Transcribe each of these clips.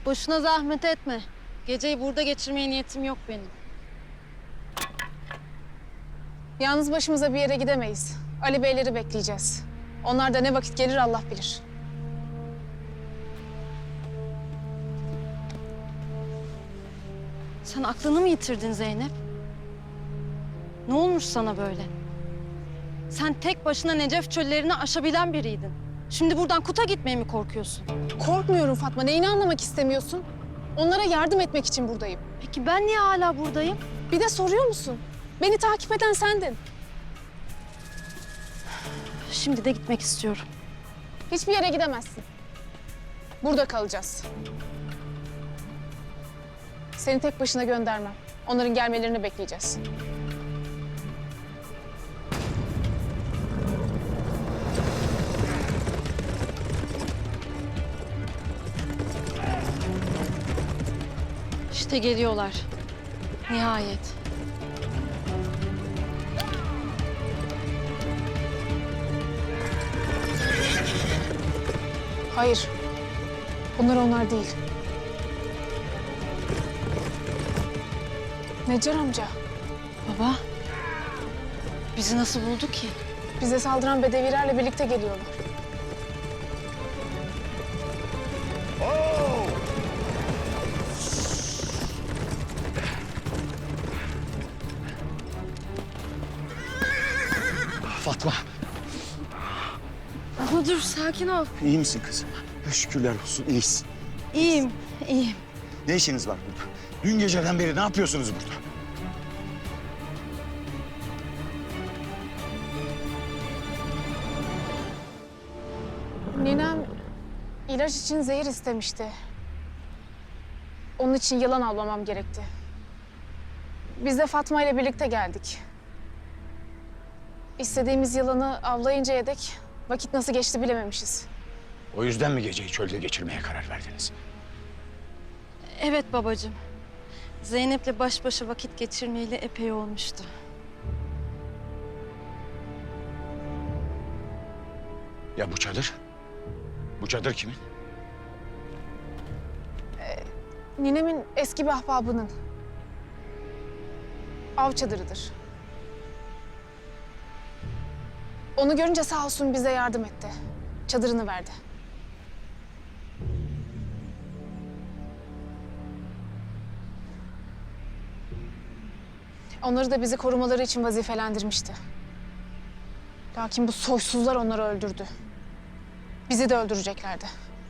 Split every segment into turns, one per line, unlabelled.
Boşuna zahmet etme. Geceyi burada geçirmeye niyetim yok benim.
Yalnız başımıza bir yere gidemeyiz. Ali Beyleri bekleyeceğiz. Onlar da ne vakit gelir Allah bilir.
Sen aklını mı yitirdin Zeynep? Ne olmuş sana böyle? Sen tek başına Necef çöllerini aşabilen biriydin. Şimdi buradan Kut'a gitmeye mi korkuyorsun?
Korkmuyorum Fatma. Neyini anlamak istemiyorsun? Onlara yardım etmek için buradayım.
Peki ben niye hala buradayım?
Bir de soruyor musun? Beni takip eden sendin.
Şimdi de gitmek istiyorum.
Hiçbir yere gidemezsin. Burada kalacağız. Seni tek başına göndermem. Onların gelmelerini bekleyeceğiz.
İşte geliyorlar. Nihayet.
Hayır. Bunlar onlar değil. Necar amca,
Baba, bizi nasıl buldu ki?
bize saldıran bedevilerle birlikte geliyorlar.
Fatma,
Baba dur, sakin ol.
iyi misin kızım? Şükürler olsun, iyisin.
İyiyim, iyiyim.
Ne işiniz var burada? Dün geceden beri ne yapıyorsunuz burada?
Ninem ilaç için zehir istemişti. Onun için yılan avlamam gerekti. Biz de Fatma ile birlikte geldik. İstediğimiz yılanı avlayıncaya dek vakit nasıl geçti bilememişiz.
O yüzden mi geceyi çölde geçirmeye karar verdiniz?
Evet babacığım. Zeynep'le baş başa vakit geçirmeyeli epey olmuştu.
Ya bu çadır? Bu çadır kimin?
Ninemin eski bir ahbabının. Av çadırıdır. Onu görünce sağ olsun bize yardım etti. Çadırını verdi. Onları da bizi korumaları için vazifelendirmişti. Lakin bu soysuzlar onları öldürdü. Bizi de öldüreceklerdi.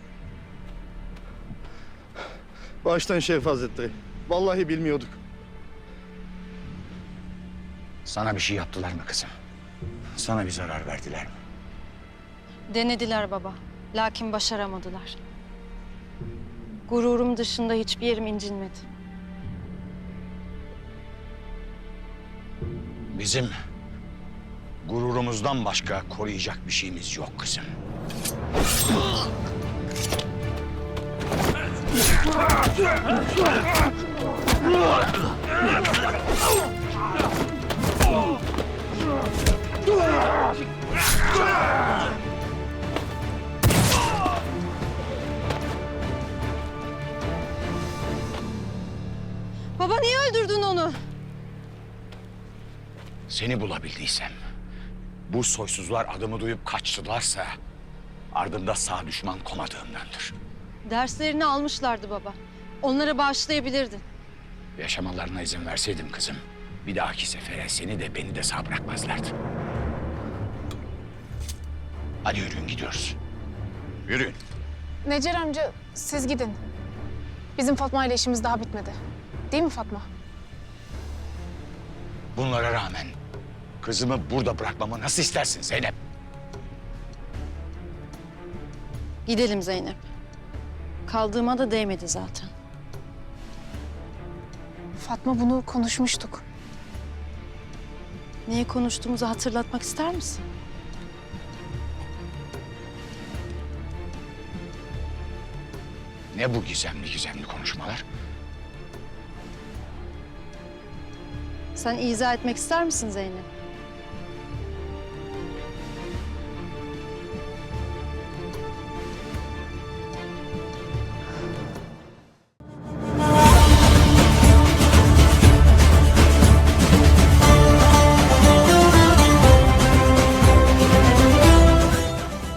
Baştan Şerif Hazretleri. Vallahi bilmiyorduk.
Sana bir şey yaptılar mı kızım? Sana bir zarar verdiler mi?
Denediler baba. Lakin başaramadılar. Gururum dışında hiçbir yerim incinmedi.
Bizim gururumuzdan başka koruyacak bir şeyimiz yok kızım.
Baba niye öldürdün onu?
Seni bulabildiysem, bu soysuzlar adımı duyup kaçtılarsa ardında sağ düşman komadığımdandır.
Derslerini almışlardı baba. Onlara bağışlayabilirdin.
Yaşamalarına izin verseydim kızım, bir dahaki sefere seni de beni de sağ bırakmazlardı. Hadi yürüyün gidiyoruz. Yürüyün.
Necer amca siz gidin. Bizim Fatma ile işimiz daha bitmedi. Değil mi Fatma?
Bunlara rağmen kızımı burada bırakmamı nasıl istersin Zeynep?
Gidelim Zeynep. Kaldığıma da değmedi zaten.
Fatma bunu konuşmuştuk.
Neyi konuştuğumuzu hatırlatmak ister misin?
Ne bu gizemli gizemli konuşmalar?
Sen izah etmek ister misin Zeynep?